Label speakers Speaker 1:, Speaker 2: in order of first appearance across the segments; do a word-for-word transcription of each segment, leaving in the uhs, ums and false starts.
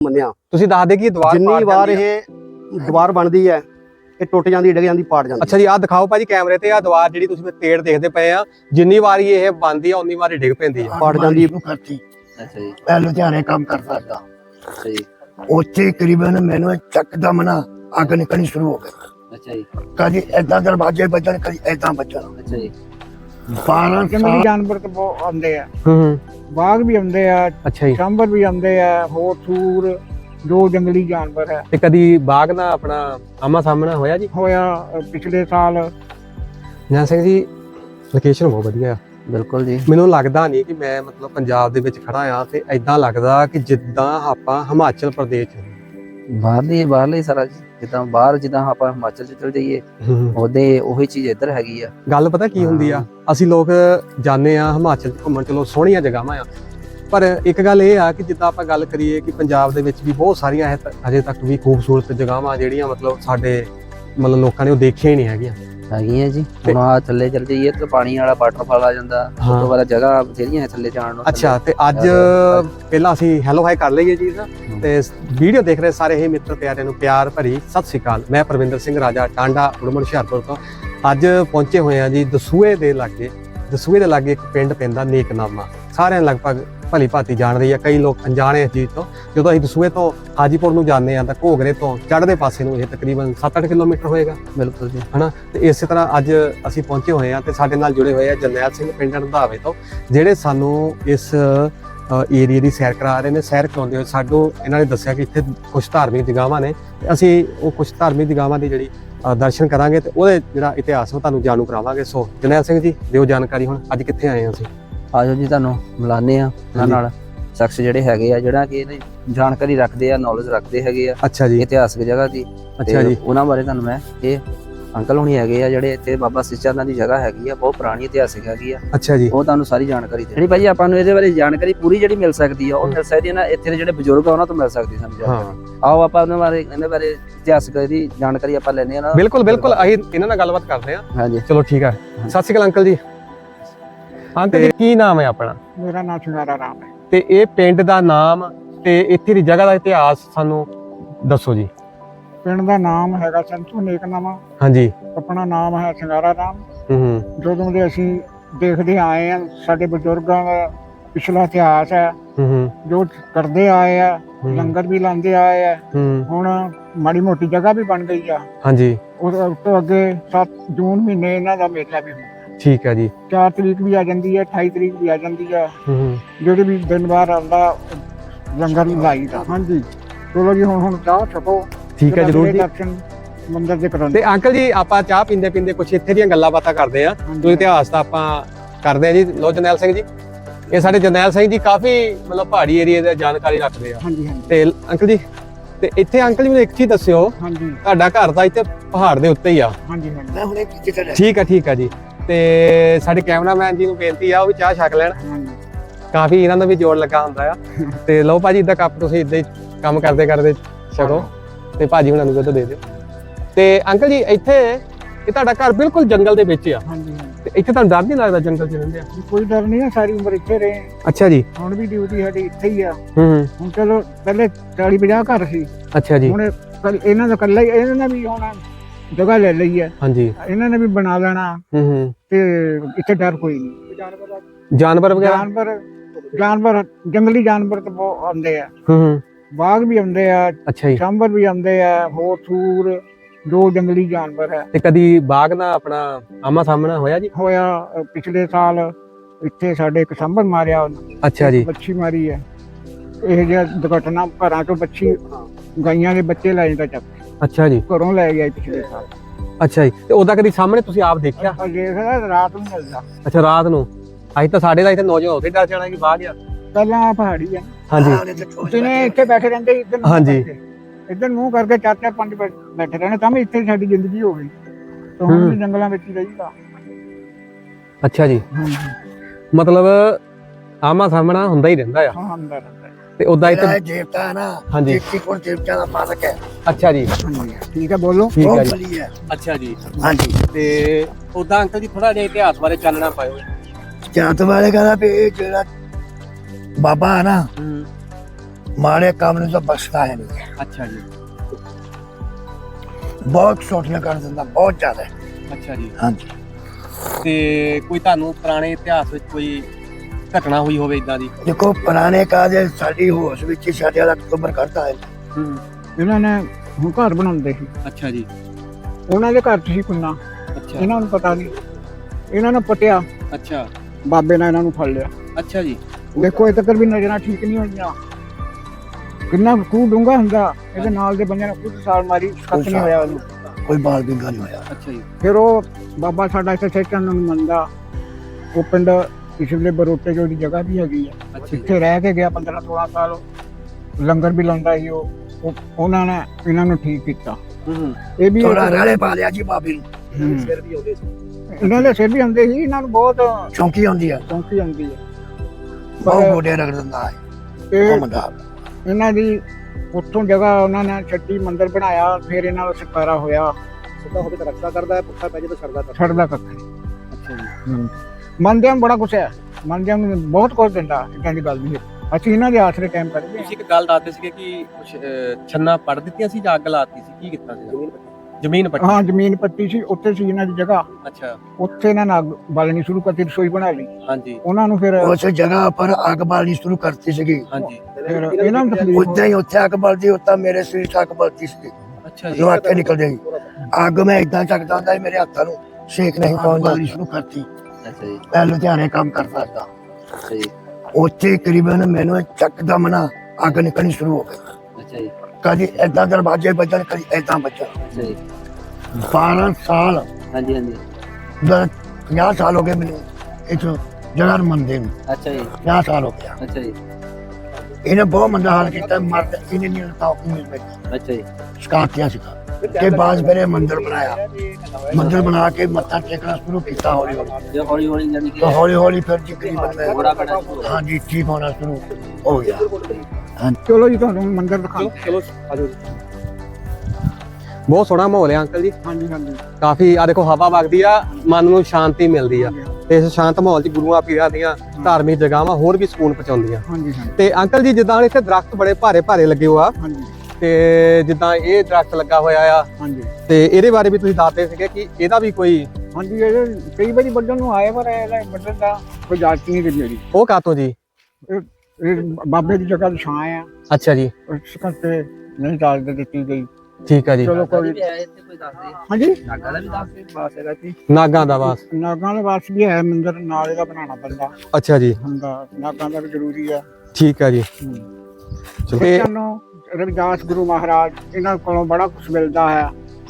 Speaker 1: ਮੰਨਿਆ।
Speaker 2: ਤੁਸੀਂ ਦੱਸਦੇ ਕਿ ਦੀਵਾਰ
Speaker 1: ਜਿੰਨੀ ਵਾਰ ਇਹ ਦੀਵਾਰ ਬਣਦੀ ਹੈ ਇਹ ਟੁੱਟ ਜਾਂਦੀ, ਡਿੱਗ ਜਾਂਦੀ, ਪਾੜ ਜਾਂਦੀ।
Speaker 2: ਅੱਛਾ ਜੀ, ਆਹ ਦਿਖਾਓ ਭਾਜੀ ਕੈਮਰੇ ਤੇ, ਆਹ ਦੀਵਾਰ ਜਿਹੜੀ ਤੁਸੀਂ ਤੇੜ ਦੇਖਦੇ ਪਏ ਆ, ਜਿੰਨੀ ਵਾਰੀ ਇਹ ਬਣਦੀ ਆ ਉਨੀ ਵਾਰੀ ਡਿੱਗ ਪੈਂਦੀ ਆ,
Speaker 1: ਪਾੜ ਜਾਂਦੀ।
Speaker 3: ਕਰਤੀ ਅੱਛਾ ਜੀ, ਮੈਂ ਲੁਧਿਆਣੇ ਕੰਮ ਕਰਦਾ ਸੀਗਾ। ਅੱਛਾ ਜੀ, ਉੱਥੇ ਕਰੀਬਨ ਮੈਨੂੰ ਚੱਕਦਮ ਨਾ ਅੱਗ ਨਿਕਲਣੀ ਸ਼ੁਰੂ ਹੋ ਗਈ। ਅੱਛਾ ਜੀ, ਕਦੀ ਏਦਾਂ ਦਰਵਾਜ਼ੇ ਵੱਜਣ, ਕਦੀ ਏਦਾਂ ਵੱਜਣ। ਅੱਛਾ ਜੀ, ਬਾਰਾਂ
Speaker 4: ਜੰਗਲੀ ਜਾਨਵਰ ਤਾਂ ਬਹੁਤ ਆਉਂਦੇ ਆ,
Speaker 2: ਹੂੰ
Speaker 4: ਬਾਘ ਵੀ ਆਉਂਦੇ ਆ,
Speaker 2: ਅੱਛਾ ਜੀ,
Speaker 4: ਸਾਂਭਰ ਵੀ ਆਉਂਦੇ ਆ, ਹੋਰ ਸੂਰ, ਜੋ ਜੰਗਲੀ ਜਾਨਵਰ ਹੈ।
Speaker 2: ਤੇ ਕਦੀ ਬਾਗ ਨਾਲ ਆਪਣਾ ਆਮਾ ਸਾਹਮਣਾ ਹੋਇਆ ਜੀ?
Speaker 4: ਹੋਇਆ ਅ, ਪਿਛਲੇ ਸਾਲ।
Speaker 2: ਜਨ ਸਿੰਘ ਜੀ, ਲੋਕੇਸ਼ਨ ਬਹੁਤ ਵਧੀਆ ਆ।
Speaker 3: ਬਿਲਕੁਲ ਜੀ,
Speaker 2: ਮੈਨੂੰ ਲੱਗਦਾ ਨਹੀਂ ਕਿ ਮੈਂ ਮਤਲਬ ਪੰਜਾਬ ਦੇ ਵਿੱਚ ਖੜਾ ਆ, ਤੇ ਐਦਾਂ ਲੱਗਦਾ ਕਿ ਜਿੱਦਾਂ ਆਪਾਂ ਹਿਮਾਚਲ ਪ੍ਰਦੇਸ਼ ਚ।
Speaker 3: ਬਾਹਰਲੀ ਬਾਹਰਲੀ ਸਾਰਾ ਜਿੱਦਾਂ ਬਾਹਰ ਜਿੱਦਾਂ ਆਪਾਂ ਹਿਮਾਚਲ ਚ ਚਲ ਜਾਈਏ ਉਹਦੇ ਉਹੀ ਚੀਜ਼ ਇੱਧਰ ਹੈਗੀ ਆ।
Speaker 2: ਗੱਲ ਪਤਾ ਕੀ ਹੁੰਦੀ ਆ, ਅਸੀਂ ਲੋਕ ਜਾਂਦੇ ਆ ਹਿਮਾਚਲ ਚ ਘੁੰਮਣ, ਚਲੋ ਸੋਹਣੀਆਂ ਜਗ੍ਹਾਵਾਂ ਆ, ਪਰ ਇੱਕ ਗੱਲ ਇਹ ਆ ਕਿ ਜਿੱਦਾਂ ਆਪਾਂ ਗੱਲ ਕਰੀਏ ਕਿ ਪੰਜਾਬ ਦੇ ਵਿੱਚ ਵੀ ਬਹੁਤ ਸਾਰੀਆਂ ਹਜੇ ਤੱਕ ਵੀ ਖੂਬਸੂਰਤ ਜਗ੍ਹਾਵਾਂ ਜਿਹੜੀਆਂ ਮਤਲਬ ਸਾਡੇ ਮਤਲਬ ਲੋਕਾਂ ਨੇ ਉਹ ਦੇਖੀਆਂ ਹੀ ਨਹੀਂ ਹੈਗੀਆਂ
Speaker 3: ਹੈਗੀਆਂ ਜੀ। ਹੁਣ ਆ ਥੱਲੇ ਚਲ ਜਾਈਏ ਤਾਂ ਪਾਣੀ ਵਾਲਾ ਵਾਟਰਫਾਲ ਆ ਜਾਂਦਾ, ਉਸ ਤੋਂ ਬਾਅਦ ਜਗ੍ਹਾ ਬਥੇਰੀਆਂ ਥੱਲੇ ਜਾਣ ਨੂੰ।
Speaker 2: ਅੱਛਾ, ਤੇ ਅੱਜ ਪਹਿਲਾਂ ਅਸੀਂ ਹੈਲੋ ਹਾਈ ਕਰ ਲਈਏ ਜੀ, ਤੇ ਵੀਡੀਓ ਦੇਖ ਰਹੇ ਸਾਰੇ ਹੀ ਮਿੱਤਰ ਪਿਆਰਿਆਂ ਨੂੰ ਪਿਆਰ ਭਰੀ ਸਤਿ ਸ੍ਰੀ ਅਕਾਲ। ਮੈਂ ਪਰਵਿੰਦਰ ਸਿੰਘ ਰਾਜਾ ਟਾਂਡਾ ਉੜਮਣ ਹੁਸ਼ਿਆਰਪੁਰ ਤੋਂ ਅੱਜ ਪਹੁੰਚੇ ਹੋਏ ਆ ਜੀ ਦਸੂਹੇ ਦੇ ਲਾਗੇ। ਦਸੂਹੇ ਦੇ ਲਾਗੇ ਇੱਕ ਪਿੰਡ ਪੈਂਦਾ ਨੇਕਨਾਮਾ, ਸਾਰਿਆਂ ਲਗਭਗ ਭਲੀ ਭਾਂਤੀ ਜਾਣਦੇ ਆ, ਕਈ ਲੋਕ ਅਣਜਾਣੇ ਇਸ ਚੀਜ਼ ਤੋਂ। ਜਦੋਂ ਅਸੀਂ ਦਸੂਹੇ ਤੋਂ ਹਾਜੀਪੁਰ ਨੂੰ ਜਾਂਦੇ ਆ ਤਾਂ ਘੋਗਰੇ ਤੋਂ ਚੜ੍ਹਦੇ ਪਾਸੇ ਨੂੰ ਇਹ ਤਕਰੀਬਨ ਸੱਤ ਅੱਠ ਕਿਲੋਮੀਟਰ ਹੋਏਗਾ।
Speaker 3: ਬਿਲਕੁਲ ਜੀ,
Speaker 2: ਹਨਾ। ਤੇ ਇਸੇ ਤਰ੍ਹਾਂ ਅੱਜ ਅਸੀਂ ਪਹੁੰਚੇ ਹੋਏ ਆ ਤੇ ਸਾਡੇ ਨਾਲ ਜੁੜੇ ਹੋਏ ਆ ਜਰਨੈਲ ਸਿੰਘ ਪਿੰਡ ਰੰਧਾਵੇ ਤੋਂ, ਜਿਹੜੇ ਸਾਨੂੰ ਇਸ ਏਰੀਏ ਦੀ ਸੈਰ ਕਰਾ ਰਹੇ ਨੇ। ਸੈਰ ਕਰਾਉਂਦੇ ਹੋਏ ਸਾਨੂੰ ਇਹਨਾਂ ਨੇ ਦੱਸਿਆ ਕਿ ਇੱਥੇ ਕੁਝ ਧਾਰਮਿਕ ਜਗ੍ਹਾਵਾਂ ਨੇ, ਤੇ ਅਸੀਂ ਉਹ ਕੁਝ ਧਾਰਮਿਕ ਜਗ੍ਹਾਵਾਂ ਦੀ ਜਿਹੜੀ ਦਰਸ਼ਨ ਕਰਾਂਗੇ ਤੇ ਉਹਦੇ ਜਿਹੜਾ ਇਤਿਹਾਸ ਉਹ ਤੁਹਾਨੂੰ ਜਾਣੂ ਕਰਾਵਾਂਗੇ। ਸੋ ਜਰਨੈਲ ਸਿੰਘ ਜੀ, ਦਿਓ ਜਾਣਕਾਰੀ। ਹੁਣ ਅੱਜ ਕਿੱਥੇ ਆਏ ਹਾਂ ਅਸੀਂ?
Speaker 3: ਆਜੋ ਜੀ, ਤੁਹਾਨੂੰ ਮਿਲਾਨੇ ਆ ਉਹਨਾਂ ਨਾਲ ਸ਼ਖਸ ਜਿਹੜੇ ਹੈਗੇ ਆ, ਜਿਹੜਾ ਕਿ ਇਹਦੀ ਜਾਣਕਾਰੀ ਰੱਖਦੇ ਆ, ਨੌਲੇਜ ਰੱਖਦੇ ਹੈਗੇ ਆ
Speaker 2: ਅੱਛਾ ਜੀ,
Speaker 3: ਇਤਿਹਾਸਕ ਜਗ੍ਹਾ ਦੀ।
Speaker 2: ਅੱਛਾ ਜੀ,
Speaker 3: ਉਹਨਾਂ ਬਾਰੇ ਤੁਹਾਨੂੰ ਮੈਂ ਇਹ ਅੰਕਲ ਹੁਣੀ ਹੈਗੇ ਆ ਜਿਹੜੇ ਇੱਥੇ ਬਾਬਾ ਸਿਚਾਂਦਾਂ ਦੀ ਜਗ੍ਹਾ ਹੈਗੀ ਆ, ਬਹੁਤ ਪੁਰਾਣੀ ਇਤਿਹਾਸਕ ਹੈਗੀ ਆ।
Speaker 2: ਅੱਛਾ ਜੀ,
Speaker 3: ਉਹ ਤੁਹਾਨੂੰ ਸਾਰੀ ਜਾਣਕਾਰੀ ਦੇ ਜਿਹੜੀ ਭਾਜੀ ਆਪਾਂ ਨੂੰ ਇਹਦੇ ਬਾਰੇ ਜਾਣਕਾਰੀ ਪੂਰੀ ਜਿਹੜੀ ਮਿਲ ਸਕਦੀ ਆ ਉਹ ਮਿਲ ਸਕਦੀ ਹੈ ਨਾ ਇੱਥੇ ਦੇ ਜਿਹੜੇ ਬਜ਼ੁਰਗ ਆ ਉਹਨਾਂ ਤੋਂ ਮਿਲ ਸਕਦੀ ਸਮਝ
Speaker 2: ਹਾਂ।
Speaker 3: ਆਓ ਆਪਾਂ ਉਹਨਾਂ ਬਾਰੇ ਇਹਨਾਂ ਬਾਰੇ ਇਤਿਹਾਸਕ ਦੀ ਜਾਣਕਾਰੀ ਆਪਾਂ ਲੈਣੇ ਆ ਨਾ।
Speaker 2: ਬਿਲਕੁਲ ਬਿਲਕੁਲ, ਅਸੀਂ ਇਹਨਾਂ ਨਾਲ ਗੱਲਬਾਤ ਕਰਦੇ ਆ।
Speaker 3: ਹਾਂਜੀ,
Speaker 2: ਚਲੋ ਠੀਕ ਹੈ। ਸਤਿ ਸ਼੍ਰੀ ਅਕਾਲ ਅੰਕਲ ਜੀ। ਅੰਕਲ ਜੀ, ਕੀ ਨਾਮ ਹੈ ਆਪਣਾ?
Speaker 4: ਮੇਰਾ ਨਾਮ ਸ਼ਿੰਗਾਰਾ ਰਾਮ ਹੈ।
Speaker 2: ਤੇ ਇਹ ਪਿੰਡ ਦਾ ਨਾਮ ਤੇ ਇੱਥੇ ਦੀ ਜਗ੍ਹਾ ਦਾ ਇਤਿਹਾਸ ਸਾਨੂੰ ਦੱਸੋ ਜੀ।
Speaker 4: ਪਿੰਡ ਦਾ ਨਾਮ ਹੈਗਾ ਸੰਤੂ ਨੇਕਨਾਮਾ,
Speaker 2: ਹਾਂਜੀ,
Speaker 4: ਆਪਣਾ ਨਾਮ ਹੈ ਸ਼ਿੰਗਾਰਾ ਰਾਮ।
Speaker 2: ਹੂੰ ਹੂੰ
Speaker 4: ਜਦੋਂ ਦੇ ਅਸੀਂ ਦੇਖਦੇ ਆਏ ਆ, ਸਾਡੇ ਬਜ਼ੁਰਗਾਂ ਦਾ ਪਿਛਲਾ ਇਤਿਹਾਸ ਹੈ
Speaker 2: ਹੂੰ ਹੂੰ
Speaker 4: ਜੋ ਕਰਦੇ ਆਏ ਆ,
Speaker 2: ਹੂੰ।
Speaker 4: ਲੰਗਰ ਵੀ ਲਾਉਂਦੇ ਆਏ ਆ।
Speaker 2: ਹੂੰ,
Speaker 4: ਹੁਣ ਮਾੜੀ ਮੋਟੀ ਜਗ੍ਹਾ ਵੀ ਬਣ ਗਈ ਆ।
Speaker 2: ਹਾਂਜੀ,
Speaker 4: ਉਸ ਤੋਂ ਅੱਗੇ ਸੱਤ ਜੂਨ ਮਹੀਨੇ ਇਹਨਾਂ ਦਾ ਮੇਲਾ ਵੀ ਹੁੰਦਾ।
Speaker 2: ਠੀਕ ਹੈ ਜੀ।
Speaker 4: ਚਾਰ ਤਰੀਕ ਵੀ ਆ ਜਾਂਦੀ ਹੈ, ਅਠਾਈ ਤਰੀਕ ਵੀ ਆ ਜਾਂਦੀ ਹੈ।
Speaker 2: ਹੂੰ ਹੂੰ,
Speaker 4: ਜਿਹੜੇ ਵੀ ਦਿਨ ਬਾਰ ਆਉਂਦਾ ਲੰਗਰ ਲਾਈਦਾ। ਹਾਂਜੀ, ਚਲੋ ਜੀ, ਹੁਣ ਹੁਣ ਚਾਹ ਛਕੋ।
Speaker 2: ਠੀਕ ਹੈ, ਜ਼ਰੂਰ ਜੀ।
Speaker 4: ਦਰਸ਼ਨ ਮੰਦਿਰ ਦੇ ਕਰਾਂਗੇ।
Speaker 2: ਤੇ ਅੰਕਲ ਜੀ, ਆਪਾਂ ਚਾਹ ਪੀਂਦੇ ਪੀਂਦੇ ਕੁਝ ਇੱਥੇ ਦੀਆਂ ਗੱਲਾਂ ਬਾਤਾਂ ਕਰਦੇ ਆ, ਜੋ ਇਤਿਹਾਸ ਦਾ ਆਪਾਂ ਕਰਦੇ ਆ ਜੀ। ਲੋ ਜਰਨੈਲ ਸਿੰਘ ਜੀ, ਇਹ ਸਾਡੇ ਜਰਨੈਲ ਸਿੰਘ ਜੀ ਕਾਫੀ ਮਤਲਬ ਪਹਾੜੀ ਏਰੀਆ ਦੀ ਜਾਣਕਾਰੀ ਰੱਖਦੇ ਆ।
Speaker 4: ਹਾਂਜੀ ਹਾਂਜੀ
Speaker 2: ਤੇ ਅੰਕਲ ਜੀ, ਤੇ ਇੱਥੇ ਅੰਕਲ ਜੀ ਮੈਨੂੰ ਇੱਕ ਚੀਜ਼ ਦੱਸਿਓ,
Speaker 4: ਹਾਂਜੀ
Speaker 2: ਤੁਹਾਡਾ ਘਰ ਤਾਂ ਇੱਥੇ ਪਹਾੜ ਦੇ ਉੱਤੇ ਹੀ ਆ?
Speaker 4: ਹਾਂਜੀ ਹਾਂਜੀ
Speaker 3: ਮੈਂ ਹੁਣੇ ਕਿਤੇ
Speaker 2: ਠੀਕ ਹੈ, ਠੀਕ ਹੈ ਜੀ। ਤੇ ਸਾਡੇ ਕੈਮਰਾਮੈਨ ਜੀ ਨੂੰ ਬੇਨਤੀ ਆ ਉਹ ਵੀ ਚਾਹ ਛਕ ਲੈਣ,
Speaker 4: ਹਾਂਜੀ।
Speaker 2: ਕਾਫੀ ਇਹਨਾਂ ਦਾ ਵੀ ਜੋੜ ਲੱਗਾ ਹੁੰਦਾ ਆ। ਤੇ ਲਓ ਭਾਜੀ, ਇਦਾਂ ਕੱਪ ਤੁਸੀਂ ਇਦਾਂ ਹੀ ਕੰਮ ਕਰਦੇ ਕਰਦੇ ਛਕੋ, ਤੇ ਭਾਜੀ ਹੁਣਾਂ ਨੂੰ ਦੁੱਧ ਦੇ ਦਿਓ। ਤੇ ਅੰਕਲ ਜੀ, ਇੱਥੇ ਇਹ ਤੁਹਾਡਾ ਘਰ ਬਿਲਕੁਲ ਜੰਗਲ ਦੇ ਵਿੱਚ ਆ,
Speaker 4: ਹਾਂਜੀ ਹਾਂਜੀ,
Speaker 2: ਤੇ ਇੱਥੇ ਤੁਹਾਨੂੰ ਡਰ ਨਹੀਂ ਲੱਗਦਾ ਜੰਗਲ 'ਚ ਰਹਿੰਦੇ ਆ?
Speaker 4: ਕੋਈ ਡਰ ਨਹੀਂ ਹੈ, ਸਾਰੀ ਉਮਰ ਇੱਥੇ ਰਹੇ।
Speaker 2: ਅੱਛਾ ਜੀ,
Speaker 4: ਹੁਣ ਵੀ ਡਿਊਟੀ ਸਾਡੀ ਇੱਥੇ ਹੀ ਆ।
Speaker 2: ਹੂੰ ਹੂੰ,
Speaker 4: ਹੁਣ ਚਲੋ, ਪਹਿਲੇ ਚਾਲੀ ਪੰਜਾਹ ਘਰ ਸੀ,
Speaker 2: ਅੱਛਾ ਜੀ,
Speaker 4: ਹੁਣ ਕੱਲ ਇਹਨਾਂ ਦਾ ਇਕੱਲਾ ਹੀ, ਇਹਨਾਂ ਨੇ ਵੀ ਹੁਣ ਜਗ੍ਹਾ ਲੈ ਲਈ ਹੈ,
Speaker 2: ਹਾਂਜੀ,
Speaker 4: ਇਹਨਾਂ ਨੇ ਵੀ ਬਣਾ ਲੈਣਾ,
Speaker 2: ਹੂੰ ਹੂੰ।
Speaker 4: ਤੇ ਇੱਥੇ ਡਰ ਕੋਈ ਨਹੀਂ।
Speaker 2: ਜਾਨਵਰ ਵਗੈਰਾ?
Speaker 4: ਜਾਨਵਰ ਜਾਨਵਰ ਜੰਗਲੀ ਜਾਨਵਰ ਤਾਂ ਬਹੁਤ ਆਉਂਦੇ ਆ,
Speaker 2: ਹੂੰ ਹੂੰ,
Speaker 4: ਬਾਘ ਵੀ ਆਉਂਦੇ ਆ,
Speaker 2: ਅੱਛਾ ਜੀ।
Speaker 4: ਸਾਂਭਰ ਵੀ ਆਉਂਦੇ ਆ, ਹੋਰ ਸੂਰ, ਜੋ ਜੰਗਲੀ ਜਾਨਵਰ ਹੈ।
Speaker 2: ਤੇ ਕਦੀ ਬਾਗ ਨਾਲ ਆਪਣਾ ਆਮਾ ਸਾਹਮਣਾ ਹੋਇਆ ਜੀ?
Speaker 4: ਹੋਇਆ ਅ, ਪਿਛਲੇ ਸਾਲ ਇੱਥੇ ਸਾਡੇ ਇੱਕ ਸਾਂਭਰ ਮਾਰਿਆ ਉਹਨੇ,
Speaker 2: ਅੱਛਾ ਜੀ,
Speaker 4: ਬੱਚੀ ਮਾਰੀ ਹੈ। ਇਹ ਜਿਹਾ ਦੁਰਘਟਨਾ ਘਰਾਂ ਤੋਂ ਬੱਚੀ, ਗਾਈਆਂ ਦੇ ਬੱਚੇ ਲੈ ਜਾਂਦਾ ਚੱਕ ਕੇ,
Speaker 2: ਅੱਛਾ ਜੀ,
Speaker 4: ਘਰੋਂ ਲੈ ਗਿਆ ਪਿਛਲੇ ਸਾਲ।
Speaker 2: ਅੱਛਾ ਜੀ। ਤੇ ਉਹਦਾ ਕਦੀ ਸਾਹਮਣੇ ਤੁਸੀਂ ਆਪ ਦੇਖਿਆ?
Speaker 4: ਆ ਦੇਖਦਾ ਰਾਤ ਨੂੰ ਮਿਲਦਾ।
Speaker 2: ਅੱਛਾ, ਰਾਤ ਨੂੰ? ਅਸੀਂ ਤਾਂ ਸਾਡੇ ਦਾ ਇੱਥੇ ਨੌਜਵਾਨ ਉੱਥੇ ਡਰ ਜਾਣਾ ਕਿ ਬਾਗ ਆ।
Speaker 4: ਪਹਿਲਾਂ ਆ ਪਹਾੜੀ ਆ,
Speaker 2: ਹਾਂਜੀ,
Speaker 4: ਜਿਹਨੇ ਇੱਥੇ ਬੈਠੇ ਰਹਿੰਦੇ ਇੱਧਰ ਨੂੰ
Speaker 2: ਹਾਂਜੀ।
Speaker 4: ਕਰਕੇ, ਇੱਧਰ ਮੂੰਹ ਕਰਕੇ ਚਾਰ ਚਾਰ ਪੰਜ ਬੈ- ਬੈਠੇ ਰਹਿਣੇ, ਤਾਂ ਵੀ ਇੱਥੇ ਸਾਡੀ ਜ਼ਿੰਦਗੀ ਹੋ ਗਈ। ਤਾਂ ਹੁਣ ਵੀ ਜੰਗਲਾਂ ਵਿੱਚ ਹੀ ਰਹੀਦਾ।
Speaker 2: ਅੱਛਾ ਜੀ,
Speaker 4: ਹਾਂਜੀ,
Speaker 2: ਮਤਲਬ ਆਮਾ ਸਾਹਮਣਾ ਹੁੰਦਾ ਹੀ ਰਹਿੰਦਾ ਆ।
Speaker 4: ਹਾਂ ਅੰਦਰ ਅੰਦਰ।
Speaker 2: ਤੇ ਉਦਾਂ ਇੱਥੇ
Speaker 3: ਦੇਵਤਾ ਹੈ ਨਾ,
Speaker 2: ਹਾਂਜੀ,
Speaker 3: ਕੋਲ ਦੇਵਤਾ ਦਾ ਪਾਲਕ ਹੈ।
Speaker 2: ਅੱਛਾ ਜੀ,
Speaker 4: ਹਾਂਜੀ, ਠੀਕ ਹੈ, ਬੋਲੋ।
Speaker 2: ਠੀਕ ਹੈ ਜੀ।
Speaker 3: ਬਲੀ ਹੈ।
Speaker 2: ਅੱਛਾ ਜੀ।
Speaker 3: ਹਾਂਜੀ,
Speaker 2: ਤੇ ਉਦਾਂ ਅੰਕਲ ਜੀ ਥੋੜਾ ਜਿਹਾ ਇਤਿਹਾਸ ਬਾਰੇ ਚਾਨਣਾ ਪਾਇਓ।
Speaker 3: ਜਾਤ ਵਾਲੇ ਕਹਿੰਦਾ ਵੀ ਇਹ ਜਿਹੜਾ ਬਾਬਾ ਹੈ ਨਾ,
Speaker 2: ਹੂੰ,
Speaker 3: ਮਾੜੇ ਕੰਮ ਨੂੰ ਤਾਂ ਬਖਸ਼ਦਾ ਹੈ ਨਹੀਂ,
Speaker 2: ਅੱਛਾ ਜੀ,
Speaker 3: ਬਹੁਤ ਛੋਟੀਆਂ ਕਰ ਦਿੰਦਾ, ਬਹੁਤ ਜ਼ਿਆਦਾ।
Speaker 2: ਅੱਛਾ ਜੀ।
Speaker 3: ਹਾਂਜੀ।
Speaker 2: ਤੇ ਕੋਈ ਤੁਹਾਨੂੰ ਪੁਰਾਣੇ ਇਤਿਹਾਸ ਵਿੱਚ ਕੋਈ ਘਟਨਾ ਹੋਈ ਹੋਵੇ ਇਦਾਂ ਦੀ?
Speaker 3: ਦੇਖੋ ਪੁਰਾਣੇ ਕਾਜ ਸਾਡੀ ਹੋਸ਼ ਵਿੱਚ ਹੀ ਸਾਡੇ ਵਾਲਾ ਅਕਤੂਬਰ ਕਰਦਾ ਹੈ।
Speaker 2: ਹੂੰ।
Speaker 4: ਇਹਨਾਂ ਨੇ ਹੁਣ ਘਰ ਬਣਾਉਂਦੇ ਸੀ,
Speaker 2: ਅੱਛਾ ਜੀ।
Speaker 4: ਉਹਨਾਂ ਦੇ ਘਰ 'ਚ ਸੀ ਕੁੰਨਾ,
Speaker 2: ਅੱਛਾ।
Speaker 4: ਇਹਨਾਂ ਨੂੰ ਪਤਾ ਨਹੀਂ, ਇਹਨਾਂ ਨੇ ਪਟਿਆ,
Speaker 2: ਅੱਛਾ।
Speaker 4: ਬਾਬੇ ਨੇ ਇਹਨਾਂ ਨੂੰ ਫੜ ਲਿਆ।
Speaker 2: ਅੱਛਾ ਜੀ।
Speaker 4: ਦੇਖੋ ਇਹ ਤੱਕ ਵੀ ਨਜ਼ਰਾਂ ਠੀਕ ਨਹੀਂ ਹੋਈਆਂ, ਕਿੰਨਾ ਖੂਹ ਡੂੰਘਾ ਹੁੰਦਾ, ਇਹਦੇ ਨਾਲ ਦੇ ਬੰਦਿਆਂ ਨੇ ਖੁਦ ਸਾਲ ਮਾਰੀ, ਕੱਖ ਨਹੀਂ ਹੋਇਆ ਉਹਨੂੰ,
Speaker 3: ਕੋਈ ਬਾਲ ਬਿੰਗਾ ਨਹੀਂ ਹੋਇਆ।
Speaker 2: ਅੱਛਾ ਜੀ।
Speaker 4: ਫਿਰ ਉਹ ਬਾਬਾ ਸਾਡਾ ਇੱਥੇ ਸੇਚਨ ਨੂੰ ਮੰਨਦਾ, ਉਹ ਪਿੰਡ ਪਿਛਲੇ ਬਰੋਟੇ ਜੋ ਦੀ ਜਗ੍ਹਾ ਵੀ ਹੈਗੀ ਆ,
Speaker 2: ਅੱਛਾ ਜੀ।
Speaker 4: ਇੱਥੇ ਰਹਿ ਕੇ ਗਿਆ ਪੰਦਰਾਂ ਸੋਲਾਂ ਸਾਲ, ਲੰਗਰ ਵੀ ਲਾਉਂਦਾ ਸੀ ਉਹ, ਉਹ- ਉਹਨਾਂ ਨੇ ਇਹਨਾਂ ਨੂੰ ਠੀਕ ਕੀਤਾ।
Speaker 2: ਹੂੰ।
Speaker 4: ਇਹ ਵੀ
Speaker 3: ਥੋੜਾ ਰਾਲੇ ਪਾ ਲਿਆ ਜੀ ਬਾਬੇ ਨੂੰ,
Speaker 4: ਹੂੰ।
Speaker 2: ਸਿਰ ਵੀ ਆਉਂਦੇ ਸੀ।
Speaker 4: ਇਹਨਾਂ ਦੇ ਸਿਰ ਵੀ ਆਉਂਦੇ ਸੀ, ਇਹਨਾਂ ਨੂੰ ਬਹੁਤ
Speaker 3: ਚੌਂਕੀ ਆਉਂਦੀ ਆ,
Speaker 4: ਚੌਂਕੀ ਆਉਂਦੀ ਹੈ।
Speaker 3: ਬਹੁਤ
Speaker 4: ਪਰ
Speaker 3: ਗੋਡੇ ਰਗੜ ਦਿੰਦਾ ਹੈ
Speaker 4: ਇਹ
Speaker 3: ਉਹ ਮੁੰਡਾ।
Speaker 4: ਇਹਨਾਂ ਦੀ ਉੱਥੋਂ ਜਗ੍ਹਾ ਉਹਨਾਂ ਨੇ ਛੱਡੀ, ਮੰਦਿਰ ਬਣਾਇਆ, ਫਿਰ ਇਹਨਾਂ ਦਾ ਛੁਟਕਾਰਾ ਹੋਇਆ।
Speaker 1: ਸਿੱਧਾ ਹੋਵੇ ਤਾਂ ਰੱਖਾ ਕਰਦਾ ਹੈ, ਪੁੱਠਾ ਪੈ ਜੇ ਤਾਂ ਛੱਡਦਾ ਕਰਦਾ।
Speaker 4: ਛੱਡਦਾ ਕੱਖ ਨਹੀਂ।
Speaker 2: ਅੱਛਾ ਜੀ।
Speaker 4: ਮੰਨਦਿਆਂ ਨੂੰ ਬੜਾ ਕੁਛ ਹੈ, ਮੰਨਦਿਆਂ ਨੂੰ ਬਹੁਤ ਕੁਝ ਦਿੰਦਾ, ਇਦਾਂ ਦੀ ਗੱਲ ਨਹੀਂ ਹੈ। ਅਸੀਂ ਇਹਨਾਂ ਦੇ ਆਸਰੇ ਟਾਈਮ ਕਰਦੇ ਹਾਂ।
Speaker 2: ਤੁਸੀਂ ਇੱਕ ਗੱਲ ਦੱਸਦੇ ਸੀਗੇ ਕਿ ਕੁਛ ਅਹ, ਛੰਨਾ ਪੜ ਦਿੱਤੀਆਂ ਸੀ ਜਾਂ ਅੱਗ ਲਾਤੀ ਸੀ, ਕੀ ਕੀਤਾ ਸੀ? ਜ਼ਮੀਨ ਪੱਟੀ।
Speaker 4: ਹਾਂ, ਜ਼ਮੀਨ ਪੱਟੀ ਸੀ, ਉੱਥੇ ਸੀ ਇਹਨਾਂ ਦੀ ਜਗ੍ਹਾ,
Speaker 2: ਅੱਛਾ।
Speaker 4: ਉੱਥੇ ਇਹਨਾਂ ਨੇ ਅੱਗ ਬਾਲਣੀ ਸ਼ੁਰੂ ਕਰਤੀ, ਰਸੋਈ ਬਣਾ ਲਈ।
Speaker 2: ਹਾਂਜੀ।
Speaker 4: ਉਹਨਾਂ ਨੂੰ ਫਿਰ
Speaker 3: ਉਸ ਜਗ੍ਹਾ ਪਰ ਅੱਗ ਬਾਲਣੀ ਸ਼ੁਰੂ ਕਰਤੀ ਸੀਗੀ,
Speaker 2: ਹਾਂਜੀ।
Speaker 4: ਫਿਰ ਇਹਨਾਂ ਨੂੰ ਤਕਲੀਫ
Speaker 3: ਉਦਾਂ ਹੀ ਉੱਥੇ ਅੱਗ ਬਲਦੀ, ਉੱਤਾ ਮੇਰੇ ਸਰੀਰ 'ਚ ਅੱਗ ਬਲਦੀ ਸੀ,
Speaker 2: ਅੱਛਾ ਜੀ।
Speaker 3: ਜੋ ਅੱਗੇ ਨਿਕਲ ਜਾਈ। ਅੱਗ ਮੈਂ ਇਦਾਂ ਚੱਕਦਾ ਹੁੰਦਾ ਸੀ, ਮੇਰੇ ਹੱਥਾਂ ਨੂੰ ਛੇਕ ਨਹੀਂ ਪਾਉਂਦਾ ਸ਼ੁਰੂ ਕਰਤੀ।
Speaker 2: ਅੱਛਾ ਜੀ।
Speaker 3: ਮੈਂ ਲੁਧਿਆਣੇ ਕੰਮ ਕਰਦਾ ਸੀ,
Speaker 2: ਅੱਛਾ ਜੀ।
Speaker 3: ਉੱਥੇ ਕਰੀਬਨ ਮੈਨੂੰ ਚੱਕਦਮ ਨਾ ਅੱਗ ਨਿਕਲਣੀ ਸ਼ੁਰੂ ਹੋ ਗਈ।
Speaker 2: ਅੱਛਾ ਜੀ।
Speaker 3: ਕਦੀ ਏਦਾਂ ਦਰਵਾਜ਼ੇ ਵੱਜਣ, ਕਦੀ ਏਦਾਂ ਵੱਜਣ।
Speaker 2: ਅੱਛਾ ਜੀ।
Speaker 3: ਬਾਰਾਂ ਸਾਲ,
Speaker 2: ਹਾਂਜੀ ਹਾਂਜੀ।
Speaker 3: ਦਸ ਪੰਜਾਹ ਸਾਲ ਹੋ ਗਏ ਮੈਨੂੰ ਇਸ ਜਗ੍ਹਾ ਨੂੰ ਮੰਨਦੇ ਨੂੰ,
Speaker 2: ਅੱਛਾ ਜੀ।
Speaker 3: ਪੰਜਾਹ ਸਾਲ ਹੋ ਗਿਆ।
Speaker 2: ਅੱਛਾ ਜੀ।
Speaker 3: ਇਹਨੇ ਬਹੁਤ ਮੰਦਾ ਹਾਲ ਕੀਤਾ, ਮਰਦ ਇਹਨੇ ਨਹੀਂ ਲਤਾਉ ਨਹੀਂ ਪਈ,
Speaker 2: ਅੱਛਾ ਜੀ।
Speaker 3: ਸ਼ਿਕਾਇਤਾਂ ਸੀਗਾ। ਤੇ ਬਾਅਦ ਮੇਰੇ ਮੰਦਿਰ ਬਣਾਇਆ, ਮੰਦਿਰ ਬਣਾ ਕੇ ਮੱਥਾ ਟੇਕਣਾ ਸ਼ੁਰੂ ਕੀਤਾ ਹੌਲੀ ਹੌਲੀ।
Speaker 2: ਜੇ ਹੌਲੀ ਹੌਲੀ ਜਾਨੀ ਕਿ
Speaker 3: ਤਾਂ ਹੌਲੀ ਹੌਲੀ ਫਿਰ ਜੀ ਕਰੀਬਨ ਮੈਂ
Speaker 2: ਬੜਾ ਬੜਾ ਸ਼ੁਰੂ
Speaker 3: ਹਾਂਜੀ ਠੀਕ ਹੋਣਾ ਸ਼ੁਰੂ ਹੋ ਗਿਆ।
Speaker 4: ਚਲੋ ਜੀ, ਤੁਹਾਨੂੰ ਮੰਦਿਰ ਦਿਖਾਓ।
Speaker 2: ਚਲੋ ਆਜੋ ਜੀ। ਬਹੁਤ ਸੋਹਣਾ ਮਾਹੌਲ ਹੈ ਅੰਕਲ ਜੀ,
Speaker 4: ਹਾਂਜੀ ਹਾਂਜੀ
Speaker 2: ਕਾਫੀ ਆ ਦੇਖੋ ਹਵਾ ਵਗਦੀ ਆ, ਮਨ ਨੂੰ ਸ਼ਾਂਤੀ ਮਿਲਦੀ ਆ। ਇਸ ਸ਼ਾਂਤ ਮਾਹੌਲ 'ਚ ਗੁਰੂਆਂ ਪੀਰਾਂ ਦੀਆਂ ਧਾਰਮਿਕ ਜਗ੍ਹਾਵਾਂ ਹੋਰ ਵੀ ਸਕੂਨ ਪਹੁੰਚਾਉਂਦੀਆਂ।
Speaker 4: ਹਾਂਜੀ ਹਾਂਜੀ
Speaker 2: ਤੇ ਅੰਕਲ ਜੀ ਜਿੱਦਾਂ ਇੱਥੇ ਦਰਖਤ ਬੜੇ ਭਾਰੇ ਭਾਰੇ ਲੱਗੇ ਹੋ ਆ,
Speaker 4: ਹਾਂਜੀ
Speaker 2: ਤੇ ਜਿੱਦਾਂ ਇਹ ਦਰਖਤ ਲੱਗਾ ਹੋਇਆ ਆ,
Speaker 4: ਹਾਂਜੀ
Speaker 2: ਤੇ ਇਹਦੇ ਬਾਰੇ ਵੀ ਤੁਸੀਂ ਦੱਸਦੇ ਸੀਗੇ ਕਿ ਇਹਦਾ ਵੀ ਕੋਈ
Speaker 4: ਹਾਂਜੀ ਇਹ ਕਈ ਵਾਰੀ ਵੱਢਣ ਨੂੰ ਆਏ, ਪਰ ਇਹਦਾ ਵੱਢਣ ਦਾ ਕੋਈ ਜਾਚ ਨਹੀਂ ਰਹੀ ਮੇਰੀ।
Speaker 2: ਉਹ ਕਾਤੋਂ ਜੀ?
Speaker 4: ਇਹ ਇਹ ਬਾਬੇ ਦੀ ਜਗ੍ਹਾ ਦੀ ਛਾਂ ਆ,
Speaker 2: ਅੱਛਾ ਜੀ।
Speaker 4: ਇਸ ਕਰਕੇ ਨਹੀਂ ਦਾਜ ਦੇ ਦਿੱਤੀ ਗਈ।
Speaker 2: ਠੀਕ ਆ ਜੀ।
Speaker 4: ਚਲੋ ਕੋਈ ਹਾਂਜੀ
Speaker 2: ਨਾਗਾਂ ਦਾ ਵਾਸ।
Speaker 4: ਨਾਗਾਂ ਦੇ ਵਾਸ ਵੀ ਹੈ, ਮੰਦਿਰ ਨਾਲ ਇਹਦਾ ਬਣਾਉਣਾ ਪੈਂਦਾ
Speaker 2: ਅੱਛਾ ਜੀ।
Speaker 4: ਹੁੰਦਾ, ਨਾਗਾਂ ਦਾ ਵੀ ਜ਼ਰੂਰੀ ਹੈ।
Speaker 2: ਠੀਕ ਆ ਜੀ। ਚਲੋ ਤੇ
Speaker 4: ਸਾਨੂੰ ਰਵਿਦਾਸ ਗੁਰੂ ਮਹਾਰਾਜ ਇਹਨਾਂ ਕੋਲੋਂ ਬੜਾ ਕੁਝ ਮਿਲਦਾ ਹੈ।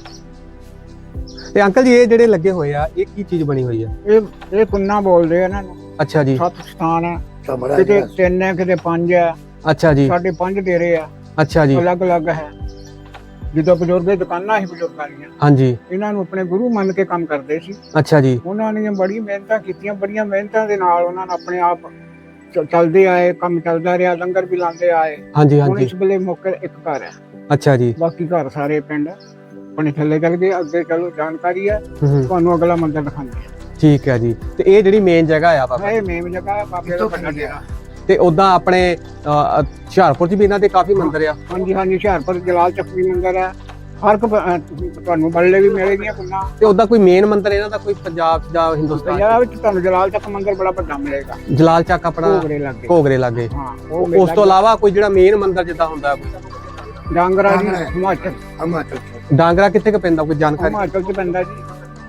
Speaker 2: ਤੇ ਅੰਕਲ ਜੀ ਇਹ ਜਿਹੜੇ ਲੱਗੇ ਹੋਏ ਆ, ਇਹ ਕੀ ਚੀਜ਼ ਬਣੀ ਹੋਈ ਆ?
Speaker 4: ਇਹ ਇਹ ਕੁੰਨਾ ਬੋਲਦੇ ਆ ਇਹਨਾਂ ਨੂੰ।
Speaker 2: ਅੱਛਾ ਜੀ।
Speaker 4: ਸੱਤ ਸਥਾਨ ਹੈ,
Speaker 3: ਕਮਰਾ
Speaker 4: ਕਿਤੇ ਤਿੰਨ ਹੈ, ਕਿਤੇ ਪੰਜ ਹੈ,
Speaker 2: ਅੱਛਾ ਜੀ।
Speaker 4: ਸਾਡੇ ਪੰਜ ਡੇਰੇ ਆ,
Speaker 2: ਅੱਛਾ ਜੀ।
Speaker 4: ਅਲੱਗ ਅਲੱਗ ਹੈ। ਜਦੋਂ ਬਜ਼ੁਰਗ ਦੀ ਦੁਕਾਨਾਂ ਸੀ ਬਜ਼ੁਰਗਾਂ ਦੀਆਂ,
Speaker 2: ਹਾਂਜੀ।
Speaker 4: ਇਹਨਾਂ ਨੂੰ ਆਪਣੇ ਗੁਰੂ ਮੰਨ ਕੇ ਕੰਮ ਕਰਦੇ ਸੀ।
Speaker 2: ਅੱਛਾ ਜੀ।
Speaker 4: ਉਹਨਾਂ ਨੇ ਬੜੀ ਮਿਹਨਤਾਂ ਕੀਤੀਆਂ, ਬੜੀਆਂ ਮਿਹਨਤਾਂ ਦੇ ਨਾਲ ਉਹਨਾਂ ਨੇ ਆਪਣੇ ਆਪ ਚ- ਚੱਲਦੇ ਆਏ, ਕੰਮ ਚੱਲਦਾ ਰਿਹਾ, ਲੰਗਰ ਵੀ ਲਾਉਂਦੇ ਆਏ।
Speaker 2: ਹਾਂਜੀ
Speaker 4: ਹੁਣ
Speaker 2: ਹਾਂਜੀ।
Speaker 4: ਇਸ ਵੇਲੇ ਮੌਕੇ ਇੱਕ ਘਰ ਹੈ,
Speaker 2: ਅੱਛਾ ਜੀ।
Speaker 4: ਬਾਕੀ ਘਰ ਸਾਰੇ ਪਿੰਡ ਆਪਣੇ ਥੱਲੇ ਚੱਲ ਗਏ। ਅੱਗੇ ਚਲੋ ਜਾਣਕਾਰੀ ਹੈ,
Speaker 2: ਹੂੰ।
Speaker 4: ਤੁਹਾਨੂੰ ਅਗਲਾ ਮੰਦਿਰ ਦਿਖਾਉਂਦੇ ਆ।
Speaker 2: ਠੀਕ ਹੈ ਜੀ। ਤੇ ਇਹ ਜਿਹੜੀ ਮੇਨ ਜਗ੍ਹਾ ਆ ਬਾਬਾ,
Speaker 4: ਇਹ ਮੇਮ ਜਗ੍ਹਾ ਹੈ, ਬਾਬੇ ਦਾ ਵੱਡਾ ਡੇਰਾ।
Speaker 2: ਤੇ ਉਦਾਂ ਆਪਣੇ ਅਹ, ਹੁਸ਼ਿਆਰਪੁਰ 'ਚ ਵੀ ਇਹਨਾਂ ਦੇ ਕਾਫੀ ਮੰਦਿਰ ਆ।
Speaker 4: ਹਾਂਜੀ ਹਾਂਜੀ, ਹੁਸ਼ਿਆਰਪੁਰ ਜਲਾਲ ਚੱਕ ਵੀ ਮੰਦਿਰ ਹੈ। ਹਰ ਇੱਕ ਪ- ਅਹ ਤੁਹਾਨੂੰ ਬੱਲੇ ਵੀ ਮਿਲੇਗੀਆਂ ਕੁੰਨਾ।
Speaker 2: ਤੇ ਉਦਾਂ ਕੋਈ ਮੇਨ ਮੰਦਿਰ ਇਹਨਾਂ ਦਾ ਕੋਈ ਪੰਜਾਬ 'ਚ ਜਾਂ ਹਿੰਦੁਸਤਾਨ 'ਚ?
Speaker 4: ਪੰਜਾਬ ਵਿੱਚ ਤੁਹਾਨੂੰ ਜਲਾਲ ਚੱਕ ਮੰਦਿਰ ਬੜਾ ਵੱਡਾ ਮਿਲੇਗਾ,
Speaker 2: ਜਲਾਲ ਚੱਕ ਆਪਣਾ
Speaker 4: ਘੋਗਰੇ ਲੱਗੇ।
Speaker 2: ਘੋਗਰੇ ਲਾਗੇ।
Speaker 4: ਹਾਂ, ਉਹ
Speaker 2: ਉਸ ਤੋਂ ਇਲਾਵਾ ਕੋਈ ਜਿਹੜਾ ਮੇਨ ਮੰਦਿਰ ਜਿੱਦਾਂ ਹੁੰਦਾ ਕੋਈ?
Speaker 4: ਡਾਂਗਰਾ ਜੀ ਹਿਮਾਚਲ,
Speaker 3: ਹਿਮਾਚਲ
Speaker 2: ਡਾਂਗਰਾ ਕਿੱਥੇ ਕੁ ਪੈਂਦਾ, ਕੋਈ ਜਾਣਕਾਰੀ?
Speaker 4: ਹਿਮਾਚਲ ਚ ਪੈਂਦਾ ਜੀ।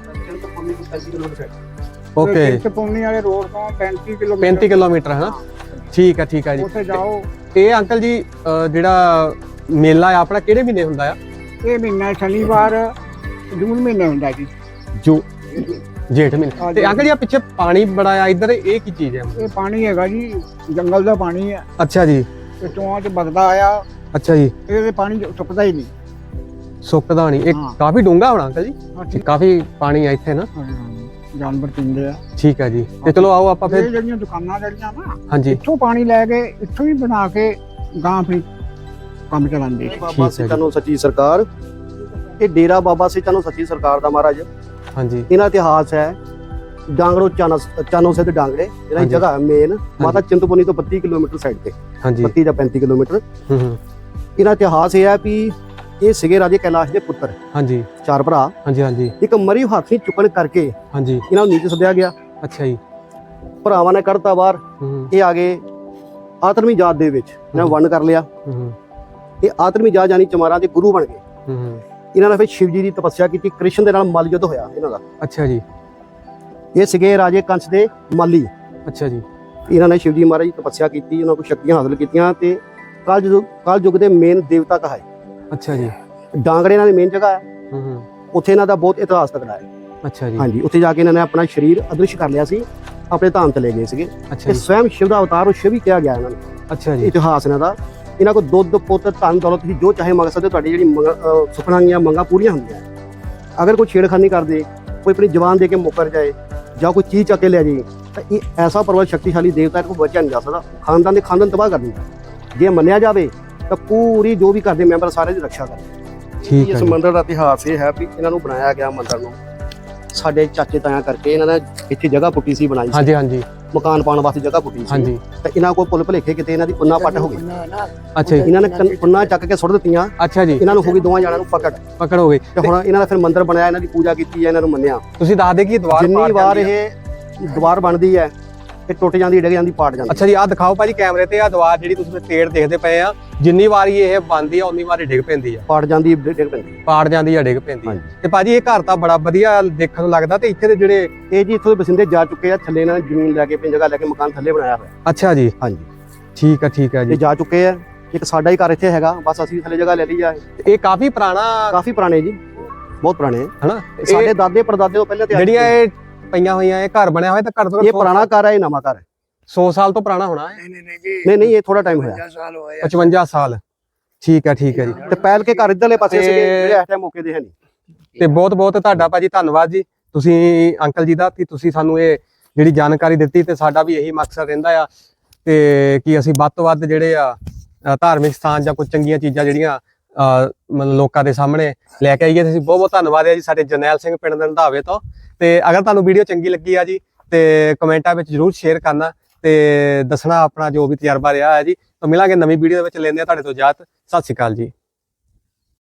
Speaker 2: ਓਕੇ।
Speaker 4: ਚਪੌਨੀ ਵਾਲੇ ਰੋਡ ਤੋਂ ਪੈਂਤੀ ਕਿਲੋਮੀਟਰ
Speaker 2: ਪੈਂਤੀ ਕਿਲੋਮੀਟਰ ਹੈ ਨਾ? ਠੀਕ ਆ ਠੀਕ ਆ ਜੀ।
Speaker 4: ਉੱਥੇ ਜਾਓ।
Speaker 2: ਇਹ ਅੰਕਲ ਜੀ ਅਹ, ਜਿਹੜਾ ਮੇਲਾ ਆ ਆਪਣਾ ਕਿਹੜੇ ਮਹੀਨੇ ਹੁੰਦਾ ਆ?
Speaker 4: ਇਹ ਮਹੀਨਾ ਸ਼ਨੀਵਾਰ ਜੂਨ ਮਹੀਨੇ ਹੁੰਦਾ ਜੀ।
Speaker 2: ਜੋ ਜੇਠ ਮਹੀਨੇ। ਤੇ ਅੰਕਲ ਜੀ ਆ ਪਿੱਛੇ ਪਾਣੀ ਬੜਾ ਆ ਇੱਧਰ, ਇਹ ਕੀ ਚੀਜ਼ ਹੈ?
Speaker 4: ਇਹ ਪਾਣੀ ਹੈਗਾ ਜੀ, ਜੰਗਲ ਦਾ ਪਾਣੀ ਹੈ।
Speaker 2: ਅੱਛਾ ਜੀ।
Speaker 4: ਇਹ ਚੋਆਂ ਚ ਵਗਦਾ ਆਇਆ,
Speaker 2: ਅੱਛਾ ਜੀ।
Speaker 4: ਇਹਦੇ ਪਾਣੀ ਸੁੱਕਦਾ ਹੀ ਨਹੀਂ।
Speaker 2: ਸੁੱਕਦਾ ਨਹੀਂ? ਇਹ
Speaker 4: ਹਾਂ।
Speaker 2: ਕਾਫੀ ਡੂੰਘਾ ਹੋਣਾ ਅੰਕਲ ਜੀ?
Speaker 4: ਹਾਂ, ਠੀਕ।
Speaker 2: ਕਾਫੀ ਪਾਣੀ ਆ ਇੱਥੇ ਨਾ?
Speaker 4: ਹਾਂ, ਹਾਂ, ਜਾਨਵਰ ਪੀਂਦੇ ਆ।
Speaker 2: ਠੀਕ ਆ ਜੀ। ਤੇ ਚਲੋ ਆਓ ਆਪਾਂ
Speaker 4: ਇਹ
Speaker 2: ਫਿਰ।
Speaker 4: ਜਿਹੜੀਆਂ ਦੁਕਾਨਾਂ ਜਿਹੜੀਆਂ ਨਾ,
Speaker 2: ਹਾਂਜੀ।
Speaker 4: ਇੱਥੋਂ ਪਾਣੀ ਲੈ ਕੇ ਇੱਥੋਂ ਹੀ ਬਣਾ ਕੇ ਗਾਂ ਆਪਣੀ ਕੰਮ ਚਲਾਉਂਦੇ ਸੀ।
Speaker 1: ਬਾਬਾ ਸਿੱਧਾਂ ਨੂੰ ਸੱਚੀ ਸਰਕਾਰ, ਇਹ ਡੇਰਾ ਬਾਬਾ ਸਿੱਧਾਂ ਨੂੰ ਸੱਚੀ ਸਰਕਾਰ ਦਾ ਮਹਾਰਾਜ।
Speaker 2: ਹਾਂਜੀ।
Speaker 1: ਇਹਨਾਂ ਇਤਿਹਾਸ ਹੈ ਡਾਂਗਰੋ ਚਾਨੋ ਚਾਨੋ ਸਿੱਧ ਡਾਂਗਰੇ, ਇਹਨਾਂ ਦੀ
Speaker 2: ਹਾਂਜੀ।
Speaker 1: ਜਗ੍ਹਾ ਮੇਨ ਮਾਤਾ ਚਿੰਤਪੁਰਨੀ ਤੋਂ ਬੱਤੀ ਕਿਲੋਮੀਟਰ ਸਾਈਡ ਤੇ।
Speaker 2: ਹਾਂਜੀ
Speaker 1: ਬੱਤੀ ਜਾਂ ਪੈਂਤੀ ਕਿਲੋਮੀਟਰ।
Speaker 2: ਹੂੰ ਹੂੰ
Speaker 1: ਇਹਨਾਂ ਇਤਿਹਾਸ ਇਹ ਹੈ ਵੀ ਇਹ ਸੀਗੇ ਰਾਜੇ ਕੈਲਾਸ਼ ਦੇ ਪੁੱਤਰ,
Speaker 2: ਹਾਂਜੀ
Speaker 1: ਚਾਰ ਭਰਾ।
Speaker 2: ਹਾਂਜੀ ਹਾਂਜੀ
Speaker 1: ਇੱਕ ਮਰੀ ਹਾਥੀ ਚੁੱਕਣ ਕਰਕੇ
Speaker 2: ਹਾਂਜੀ
Speaker 1: ਇਹਨਾਂ ਨੂੰ ਨੀਚੇ ਸੱਦਿਆ ਗਿਆ।
Speaker 2: ਅੱਛਾ ਜੀ।
Speaker 1: ਭਰਾਵਾਂ ਨੇ ਕੱਢਤਾ ਬਾਹਰ,
Speaker 2: ਹੂੰ ਹੂੰ
Speaker 1: ਇਹ ਆ ਗਏ ਆਤਮੀ ਜਾਤ ਦੇ ਵਿੱਚ, ਇਹਨਾਂ ਵੰਡ ਕਰ ਲਿਆ।
Speaker 2: ਹੂੰ ਹੂੰ
Speaker 1: ਇਹ ਆਤਮੀ ਜਾਤ ਯਾਨੀ ਚਮਾਰਾਂ ਦੇ ਗੁਰੂ ਬਣ ਗਏ।
Speaker 2: ਹੂੰ ਹੂੰ
Speaker 1: ਇਹਨਾਂ ਨੇ ਫਿਰ ਸ਼ਿਵ ਜੀ ਦੀ ਤਪੱਸਿਆ ਕੀਤੀ, ਕ੍ਰਿਸ਼ਨ ਦੇ ਨਾਲ ਮੱਲ ਯੁੱਧ ਹੋਇਆ ਇਹਨਾਂ ਦਾ।
Speaker 2: ਅੱਛਾ ਜੀ।
Speaker 1: ਇਹ ਸੀਗੇ ਰਾਜੇ ਕੰਸ ਦੇ ਮਾਲੀ।
Speaker 2: ਅੱਛਾ ਜੀ।
Speaker 1: ਇਹਨਾਂ ਨੇ ਸ਼ਿਵ ਜੀ ਮਹਾਰਾਜ ਦੀ ਤਪੱਸਿਆ ਕੀਤੀ, ਉਹਨਾਂ ਕੋਲ ਸ਼ਕਤੀਆਂ ਹਾਸਲ ਕੀਤੀਆਂ ਤੇ ਕਲ ਯੁੱਗ ਕਲ ਯੁੱਗ ਦੇ ਮੇਨ ਦੇਵਤਾ ਕਹਾਏ।
Speaker 2: ਅੱਛਾ ਜੀ।
Speaker 1: ਡਾਂਗੜੇ ਇਹਨਾਂ ਦੀ ਮੇਨ ਜਗ੍ਹਾ ਹੈ,
Speaker 2: ਹੂੰ ਹੂੰ
Speaker 1: ਉੱਥੇ ਇਹਨਾਂ ਦਾ ਬਹੁਤ ਇਤਿਹਾਸ ਤਕੜਾ ਹੈ।
Speaker 2: ਅੱਛਾ ਜੀ।
Speaker 1: ਹਾਂਜੀ, ਉੱਥੇ ਜਾ ਕੇ ਇਹਨਾਂ ਨੇ ਆਪਣਾ ਸਰੀਰ ਅਦ੍ਰਿਸ਼ ਕਰ ਲਿਆ ਸੀ, ਆਪਣੇ ਧਾਮ ਚਲੇ ਗਏ ਸੀਗੇ।
Speaker 2: ਅੱਛਾ
Speaker 1: ਤੇ
Speaker 2: ਜੀ।
Speaker 1: ਸਵੈਮ ਸ਼ਿਵ ਦਾ ਅਵਤਾਰ ਉਹ ਸ਼ਿਵ ਹੀ ਕਿਹਾ ਗਿਆ ਇਹਨਾਂ ਨੂੰ।
Speaker 2: ਅੱਛਾ ਜੀ।
Speaker 1: ਇਤਿਹਾਸ ਇਹਨਾਂ ਦਾ, ਇਹਨਾਂ ਕੋਲ ਦੁੱਧ ਪੁੱਤ ਧਨ ਦੌਲਤ ਤੁਸੀਂ ਜੋ ਚਾਹੇ ਮੰਗ ਸਕਦੇ ਹੋ, ਤੁਹਾਡੀ ਜਿਹੜੀ ਮੰਗ- ਅਹ ਸੁਪਨਾ ਦੀਆਂ ਮੰਗਾਂ ਪੂਰੀਆਂ ਹੁੰਦੀਆਂ। ਅਗਰ ਕੋਈ ਛੇੜਖਾਨੀ ਕਰਦੇ, ਕੋਈ ਆਪਣੀ ਜਵਾਨ ਦੇ ਕੇ ਮੁੱਕਰ ਜਾਏ ਜਾਂ ਕੋਈ ਚੀਜ਼ ਚੱਕ ਕੇ ਲੈ ਜਾਏ, ਤਾਂ ਇਹ ਐਸਾ ਪ੍ਰਬਲ ਸ਼ਕਤੀਸ਼ਾਲੀ ਦੇਵਤਾ ਹੈ, ਕੋਈ ਬਚਿਆ ਨਹੀਂ ਜਾ ਸਕਦਾ। ਖਾਨਦਾਨ ਦੇ ਖਾਨਦਾਨ ਤਬਾਹ ਕਰ ਦਿੰਦਾ। ਜੇ ਮੰਨਿਆ ਜਾਵੇ ਤਾਂ ਪੂਰੀ ਜੋ ਵੀ ਘਰ ਦੇ ਮੈਂਬਰ ਸਾਰੇ ਦੀ ਰੱਖਿਆ ਕਰਦੇ।
Speaker 2: ਠੀਕ ਹੈ
Speaker 1: ਇਸ
Speaker 2: ਜੀ।
Speaker 1: ਮੰਦਿਰ ਦਾ ਇਤਿਹਾਸ ਇਹ ਹੈ ਵੀ ਇਹਨਾਂ ਨੂੰ ਬਣਾਇਆ ਗਿਆ ਮੰਦਿਰ ਨੂੰ ਸਾਡੇ ਚਾਚੇ ਤਾਇਆਂ ਕਰਕੇ। ਇਹਨਾਂ ਨੇ ਇੱਥੇ ਜਗ੍ਹਾ ਪੁੱਟੀ ਸੀ, ਬਣਾਈ ਸੀ
Speaker 2: ਹਾਂਜੀ ਹਾਂਜੀ
Speaker 1: ਮਕਾਨ ਪਾਉਣ ਵਾਸਤੇ ਜਗ੍ਹਾ ਪੁੱਟੀ ਸੀ।
Speaker 2: ਹਾਂਜੀ।
Speaker 1: ਤਾਂ ਇਹਨਾਂ ਕੋਲ ਭੁੱਲ ਭੁਲੇਖੇ ਕਿਤੇ ਇਹਨਾਂ ਦੀ ਪੁੰਨਾ ਪੱਟ ਹੋ ਗਈ।
Speaker 2: ਅੱਛਾ ਜੀ।
Speaker 1: ਇਹਨਾਂ ਨੇ ਕੰਨ- ਪੁੰਨਾ ਚੱਕ ਕੇ ਸੁੱਟ ਦਿੱਤੀਆਂ,
Speaker 2: ਅੱਛਾ ਜੀ।
Speaker 1: ਇਹਨਾਂ ਨੂੰ ਹੋ ਗਈ ਦੋਵਾਂ ਜਣਾਂ ਨੂੰ ਪਕੜ।
Speaker 2: ਪਕੜ ਹੋ ਗਈ।
Speaker 1: ਤੇ ਹੁਣ ਇਹਨਾਂ ਦਾ ਫਿਰ ਮੰਦਿਰ ਬਣਾਇਆ, ਇਹਨਾਂ ਦੀ ਪੂਜਾ ਕੀਤੀ ਹੈ, ਇਹਨਾਂ ਨੂੰ ਮੰਨਿਆ।
Speaker 2: ਤੁਸੀਂ ਦੱਸ ਦੇ ਕਿ ਦੀਵਾਰ
Speaker 1: ਜਿੰਨੀ
Speaker 2: ਪਾੜ
Speaker 1: ਵਾਰ
Speaker 2: ਜਾਂਦੀ ਹੈ।
Speaker 1: ਇਹ ਦੀਵਾਰ ਬਣਦੀ ਹੈ, ਇਹ ਟੁੱਟ ਜਾਂਦੀ, ਡਿੱਗ ਜਾਂਦੀ, ਪਾੜ ਜਾਂਦੀ।
Speaker 2: ਅੱਛਾ ਜੀ, ਆਹ ਦਿਖਾਓ ਭਾਜੀ ਕੈਮਰੇ ਤੇ, ਆਹ ਦੀਵਾਰ ਜਿਹੜੀ ਤੁਸੀਂ ਤੇੜ ਦੇਖਦੇ ਪਏ ਆ, ਜਿੰਨੀ ਵਾਰੀ ਇਹ ਬਣਦੀ ਆ ਉਨੀ ਵਾਰੀ ਡਿੱਗ ਪੈਂਦੀ ਆ,
Speaker 1: ਪਾੜ ਜਾਂਦੀ, ਡਿੱਗ ਪੈਂਦੀ।
Speaker 2: ਪਾੜ ਜਾਂਦੀ ਆ, ਡਿੱਗ ਪੈਂਦੀ ਆ।
Speaker 1: ਹਾਂਜੀ।
Speaker 2: ਤੇ ਭਾਜੀ ਇਹ ਘਰ ਤਾਂ ਬੜਾ ਵਧੀਆ ਦੇਖਣ ਨੂੰ ਲੱਗਦਾ, ਤੇ ਇੱਥੇ ਦੇ ਜਿਹੜੇ
Speaker 1: ਇਹ ਜੀ ਇੱਥੋਂ ਦੇ ਬਸਿੰਦੇ ਜਾ ਚੁੱਕੇ ਆ, ਥੱਲੇ ਇਹਨਾਂ ਨੇ ਜ਼ਮੀਨ ਲੈ ਕੇ ਆਪਣੀ ਜਗ੍ਹਾ ਲੈ ਕੇ ਮਕਾਨ ਥੱਲੇ ਬਣਾਇਆ ਹੋਇਆ।
Speaker 2: ਅੱਛਾ ਜੀ।
Speaker 1: ਹਾਂਜੀ,
Speaker 2: ਠੀਕ ਆ ਠੀਕ ਆ
Speaker 1: ਇਹ
Speaker 2: ਜੀ।
Speaker 1: ਜਾ ਚੁੱਕੇ ਆ। ਇੱਕ ਸਾਡਾ ਹੀ ਘਰ ਇੱਥੇ ਹੈਗਾ, ਬਸ ਅਸੀਂ ਥੱਲੇ ਜਗ੍ਹਾ ਲੈ ਲਈ ਆ।
Speaker 2: ਇਹ ਕਾਫੀ ਪੁਰਾਣਾ
Speaker 1: ਕਾਫੀ ਪੁਰਾਣੇ ਜੀ, ਬਹੁਤ ਪੁਰਾਣੇ।
Speaker 2: ਹਨਾ,
Speaker 1: ਸਾਡੇ ਦਾਦੇ ਪੜਦਾਦੇ ਤੋਂ ਪਹਿਲਾਂ ਤੇ
Speaker 2: ਜਿਹੜੀਆਂ ਇਹ ਪਈਆਂ ਹੋਈਆਂ ਇਹ ਘਰ ਬਣਿਆ ਹੋਇਆ, ਤਾਂ ਘੱਟ ਤੋਂ ਘੱਟ
Speaker 1: ਇਹ ਪੁਰਾਣਾ ਘਰ ਹੈ, ਇਹ ਨਵਾਂ ਘਰ ਹੈ।
Speaker 2: ਸੌ ਸਾਲ ਤੋਂ ਪੁਰਾਣਾ ਹੋਣਾ ਹੈ।
Speaker 3: ਨਹੀਂ ਨਹੀਂ ਨਹੀਂ ਜੀ,
Speaker 1: ਨਹੀਂ ਨਹੀਂ, ਇਹ ਥੋੜਾ ਟਾਈਮ ਹੋਇਆ।
Speaker 3: ਪੰਜਾਹ ਸਾਲ ਹੋਏ ਆ।
Speaker 2: ਪਚਵੰਜਾ ਸਾਲ। ਠੀਕ ਹੈ ਠੀਕ ਹੈ ਜੀ।
Speaker 1: ਤੇ ਪਹਿਲ ਕੇ ਘਰ ਇੱਧਰਲੇ ਪਾਸੇ
Speaker 2: ਤੇ-
Speaker 1: ਸੀਗੇ, ਜਿਹੜੇ ਇਸ ਟਾਈਮ ਮੌਕੇ ਦੇ ਹੈ ਨਹੀਂ।
Speaker 2: ਤੇ ਬਹੁਤ ਬਹੁਤ ਤੁਹਾਡਾ ਭਾਜੀ ਧੰਨਵਾਦ ਜੀ, ਤੁਸੀਂ ਅੰਕਲ ਜੀ ਦਾ, ਕਿ ਤੁਸੀਂ ਸਾਨੂੰ ਇਹ ਜਿਹੜੀ ਜਾਣਕਾਰੀ ਦਿੱਤੀ। ਤੇ ਸਾਡਾ ਵੀ ਇਹੀ ਮਕਸਦ ਰਹਿੰਦਾ ਆ ਤੇ ਕਿ ਅਸੀਂ ਵੱਧ ਤੋਂ ਵੱਧ ਜਿਹੜੇ ਆ ਅ, ਧਾਰਮਿਕ ਸਥਾਨ ਜਾਂ ਕੁਝ ਚੰਗੀਆਂ ਚੀਜ਼ਾਂ ਜਿਹੜੀਆਂ ਅ, ਮਤਲਬ ਲੋਕਾਂ ਦੇ ਸਾਹਮਣੇ ਲੈ ਕੇ ਆਈਏ। ਤੁਸੀਂ ਬਹੁਤ ਬਹੁਤ ਧੰਨਵਾਦ ਹੈ ਜੀ ਸਾਡੇ ਜਰਨੈਲ ਸਿੰਘ ਪਿੰਡ ਦੇ ਰੰਧਾਵੇ ਤੋਂ। ਤੇ ਅਗਰ ਤੁਹਾਨੂੰ ਵੀਡੀਓ ਚੰਗੀ ਲੱਗੀ ਆ ਜੀ, ਤੇ ਕਮੈਂਟਾਂ ਵਿੱਚ ਜਰੂਰ ਸ਼ੇਅਰ ਕਰਨਾ ਤੇ ਦੱਸਣਾ ਆਪਣਾ ਜੋ ਵੀ ਤਜਰਬਾ ਰਿਹਾ ਹੈ ਜੀ। ਤਾਂ ਮਿਲਾਂਗੇ ਨਵੀਂ ਵੀਡੀਓ ਦੇ ਵਿੱਚ, ਲੈਂਦੇ ਆ ਤੁਹਾਡੇ ਤੋਂ ਇਜਾਜ਼ਤ। ਸਤਿ ਸ਼੍ਰੀ ਅਕਾਲ ਜੀ।